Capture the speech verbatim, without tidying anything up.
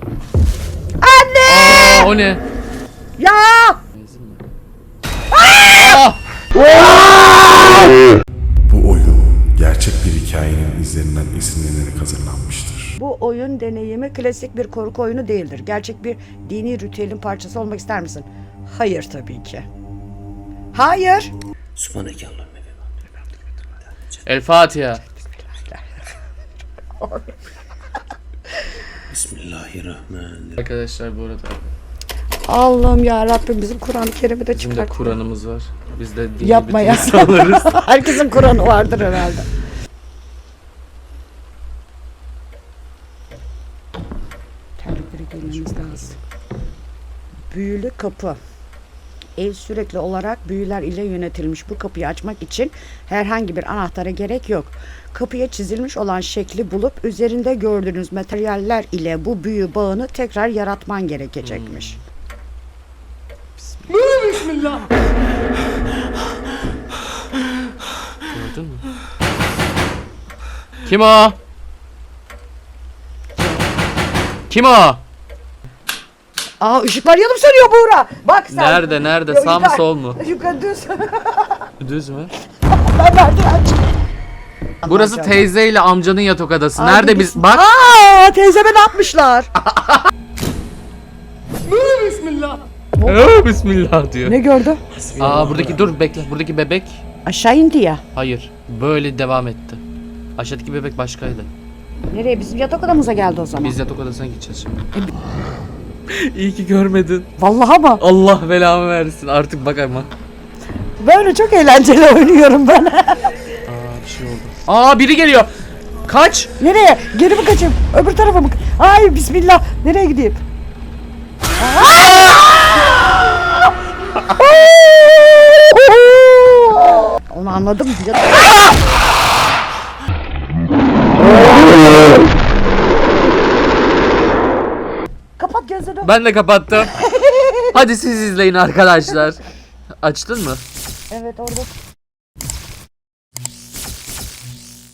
Anne! Aa, o ne? Ya! Aa! Bu oyun gerçek bir hikayenin izlerinden esinlenerek hazırlanmıştır. Bu oyun deneyimi klasik bir korku oyunu değildir. Gerçek bir dini ritüelin parçası olmak ister misin? Hayır tabii ki. Hayır. El Fatiha. Bismillahirrahmanirrahim. Arkadaşlar bu arada Allah'ım ya Rabbim bizim Kur'an-ı Kerim'i de bizim de çıkart. Kur'an'ımız var. Biz de dini Yapma bütün ya. insanlarız. Herkesin Kur'an'ı vardır herhalde. Terlikleri giymemiz lazım. Büyülü kapı. Ev sürekli olarak büyüler ile yönetilmiş. Bu kapıyı açmak için herhangi bir anahtara gerek yok. Kapıya çizilmiş olan şekli bulup üzerinde gördüğünüz materyaller ile bu büyü bağını tekrar yaratman gerekecekmiş. Bismillah. Gördün mü? Kim o? Kim o? Aa ışıklar yanıp sönüyor Buğra. Bak sen. Nerede nerede? Yok, Sağ mı yukarı- sol mu? Yukarı düz. Düz mü? Ben merdiven çıktım. Burası Aman teyze ile amcanın yatak odası. Aa, Nerede bu biz? biz- Bak. Aa teyzeme ne yapmışlar? Bismillah. Ee, Bismillah diyor. Ne gördü? Aa buradaki dur bekle. Buradaki bebek. Aşağı indi ya. Hayır. Böyle devam etti. Aşağıdaki bebek başkaydı. Nereye? Bizim yatak odamıza geldi o zaman. Biz yatak odasına gideceğiz şimdi. İyi ki görmedin. Vallahi mı? Allah belamı versin. Artık bak ama. Böyle çok eğlenceli oynuyorum ben. Aa bir şey oldu. Aa biri geliyor. Kaç. Nereye? Geri mi kaçayım? Öbür tarafa mı? Ay bismillah. Nereye gideyim? Onu anladım. Kapat gözünü. Ben de kapattım. Hadi siz izleyin arkadaşlar. Açtın mı? Evet orada.